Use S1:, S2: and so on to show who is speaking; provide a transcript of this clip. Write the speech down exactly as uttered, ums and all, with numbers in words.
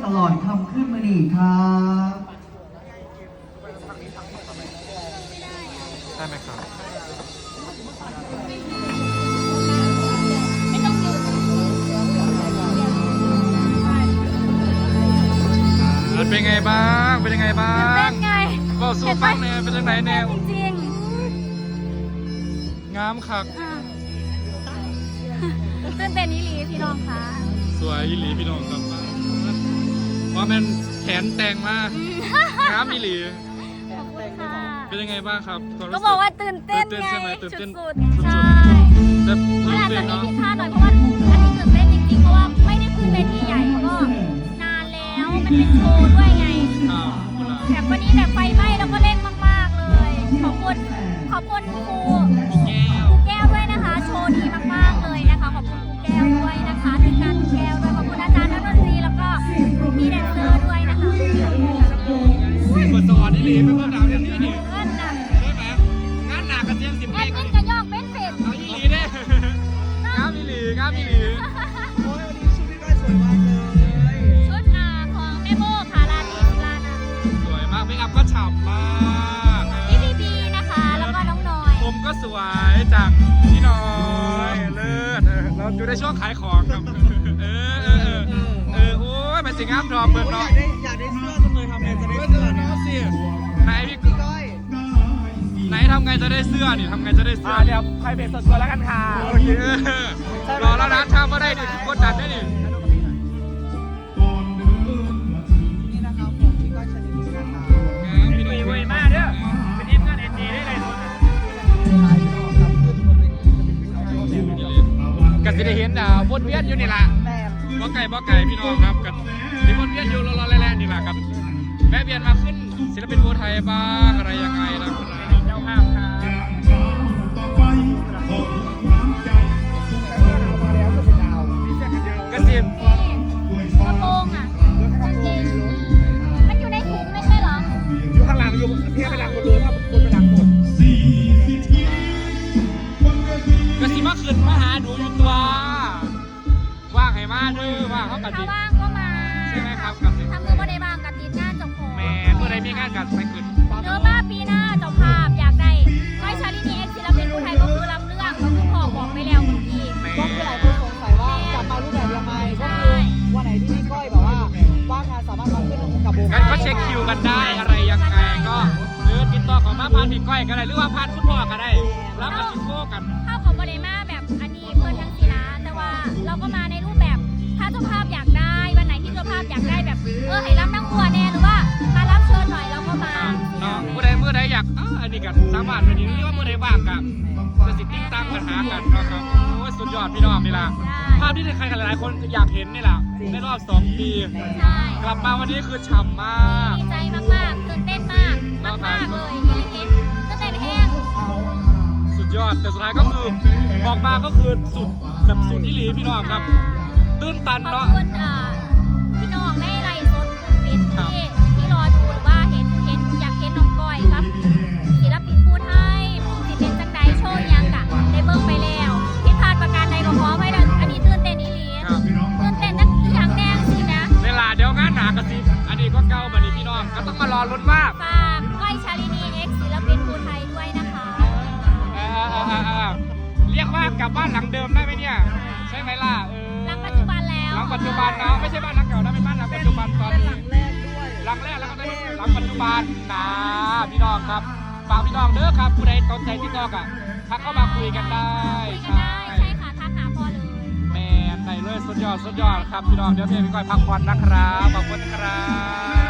S1: ตลอดคำขึ้นมือนีครับ
S2: ได้ไหมครับเป็นไงบ้างเป็นยังไงบ้าง
S3: เป็นไง
S2: บอกสู้ฟังเนี่ยเป็นยังไงเนี่ย
S3: จริง
S2: งามคัก
S3: ตื่นเต้นอีหลีพี่น้องคะ
S2: สวยอีหลีพี่น้องครับว่าเป็นแขนแต่งมากงามอีหลี
S3: ขอบคุณค่ะ
S2: เป็นยังไงบ้างครับ
S3: ก็บอกว่าตื่นเต้นไงสุดๆใช่ขนาดจะมีผิดพลาดหน่อยเพราะว่าอันนี้ตื่นเต้นจริงๆเพราะว่าไม่ได้ขึ้นเวทีใหญ่ก็นานแล้วมันเป็นโชว์ด้วยไงแบบวันนี้แบบไฟไหม้แล้วก็เร่งมากๆเลยขอบคุณขอบคุณครูครูแก้วด้วยนะคะโชว์ดีมากๆเลยนะคะขอบคุณครูแก้วด้วยนะคะทีมงานครูแก้วด้วยขอบคุณอาจารย์นักดนตรีแล้วก็พี่แดนเซอร์ด้วยนะคะ
S2: คนสอนนี่หลีเป็นคนดาวเรียนนี่นี่
S3: งานหนัก
S2: ใช่ไหมงานหนักกันเสียงสิบ
S3: แอ
S2: เอ็
S3: ดมินกระยอกเป็นเศษ
S2: เอาอีหลีเนี่ยงามอีหลีงามอีหลี
S1: โอ้ยวันนี้ชุดพี่ก้อยสวยมากเลย
S3: ชุดอาของแม่โบค่ะลาดีลานา
S2: สวยมากไม่อัพก็ฉ่ำมาก
S3: พี่บีบีนะคะแล้วก็น้องน้อย
S2: ผมก็สวยจากพี่น้อยเลิศเราอยู่ในช่วงขายของครับเออเออเออโอ้ยมันสิงามทอมเบิร์นเนาะ
S1: อยากได้เสื้อจังเลยทำไงจะได้เสื้อเนาะ
S2: สิไหนพี่ก้อยไหนทำไงจะได้เสื้อนี่ทำไงจะได้เสื้อ
S1: เดี๋ยวใครเป็นส่วนตัวแล้วกันค่ะ
S2: โอเครอแล้วนะถ้าไม่ได้ดิกดดันได้ดิ
S1: นี่นะครับผมพี่ก้อยชนิดนี้นะครับ
S2: พี่หนุ่ยเว้ยมากเด้อเป็นทีมงานเอ็นดีได้เลยกันจะได้เห็นอ่าวนเวียนอยู่นี่แหละบ่ไก่บ่ไก่พี่น้องครับกันที่วนเวียนอยู่รอๆแล่ๆนี่แหละครับแม่เวียนมาขึ้นศิลปินภูไทยบ้างอะไรยังไงนะครับเจ้าภาพครับกระซิบ
S3: กระโปรงอ่ะจริงมันอยู่ในถุงไม่ใช่หรอ
S1: อยู่ข้างหลังอยู่เพียงไปดังบนเรือถ้าบนไปดังหมด
S2: กระซิบมาขึ้นมาหาดูอยู่ตัวว่างให้มาเด้อว่างเขากระซิบ
S3: ถ้าว่างก็มา
S2: ใช่ไหมครับกระซิบ
S3: ทำมือก็ได้บางกระติดงานจบโผล่
S2: แม่เมื่อไรมีงานกันไปขึ้น
S3: เนื้อบ้าปีหน้าเจ้าภาพอยากได้ก้อยชาลินีเอ็กซ์ศิลปินภูไทยก็คือลำเรื่องก็คือพ่อบอกไปแล้วเมื่อกี้
S1: ก็คือหลายคนสงสัยว่าจะมารูปแบบยังไงก็คือวันไหนที่พี่ก้อยแบบว่าว่างงานสามารถมาขึ้นกับวง
S2: กันก็เช็คคิวกันได้อะไรยังไงก็หรือติดต่อของมาพานพี่ก้อยก็ได้หรือว่าพานคุณพ่อก็ได้แล้วมาชิโก้กัน
S3: เข้าของบริมาแบบอันนี้เพิ่นทั้งสีนะแต่ว่าเราก็มาในรูปแบบถ้าเจ้าภาพอยากได้วันไหนที่เจ้าภาพอยากได้แบบเออให้รับนั่งบัวแน่หรือว่ามารับเชิญหน่อยเราก็มา
S2: เมื่อใดเมื่อใดอยากอ่าอันนี้กันสามารถวันนี้นี่ว่าเมื่อใดว่างกันจะสิติ้งตั้งปัญหากันนะครับโอ้ยสุดยอดพี่น้องนี่แหละภาพที่ใครหลายๆคนอยากเห็นนี่แหละในรอบสองปีกลับมาวันนี้คือฉ่ำมาก
S3: ดีใจมากๆตื่นเต้นมากมากเลยจริงๆตื่นเต้นแห้ง
S2: สุดยอดแต่สุดท้ายก็คือบอกมาก็คือสุดแบบสุดที่หลีพี่น้องครับตื้นตันเนาะ
S3: ขอบคุณพี่น้องในไลฟ์สดปิดที่ที่รอดูหรือว่าเห็นเห็นอยากเห็นน้องก้อยครับศิลปินภูไทยสิเป็นจังใดโชว์ยังกะได้เบิ่งไปแล้วผิดพลาดประการใดก็ขอไว้ดังอันนี้ตื่นเต้นอีหลีตื่นเต้นนักอย่างแน่สินะ
S2: เวลาเดี๋ยวงานหนากระซิบอันนี้ก็เก่าบัดนี้พี่น้องก็ต้องมารอลุ้นว่า
S3: ฝากก้อยชาลินีเอ็กซ์ศิลปินภูไทยด้วยนะคะ
S2: เรียกว่ากลับบ้านหลังเดิมได้ไหมเนี่ยใช่ไหมล่ะ
S3: หลังปัจจุบันแล้ว
S2: หลังปัจจุบันเนาะไม่ใช่บ้านหลังเก่านะเป็นบ้านหลังปัจจุบันตอนนี้หลังแรกด้วยหลังแรกแล้วก็หลังปัจจุบันนะพี่น้องครับฝากพี่น้องเด้อครับผู้ใดสนใจที่นอกอ่ะทักเข้ามาคุยกันได้
S3: คุยกันได้ใช่ค่ะทักหาพอเลย
S2: แม่ได้เลยสุดยอดสุดยอดครับพี่น้องเดี๋ยวเพี่พี่ก้อยพักผ่อนนะครับขอบคุณครับ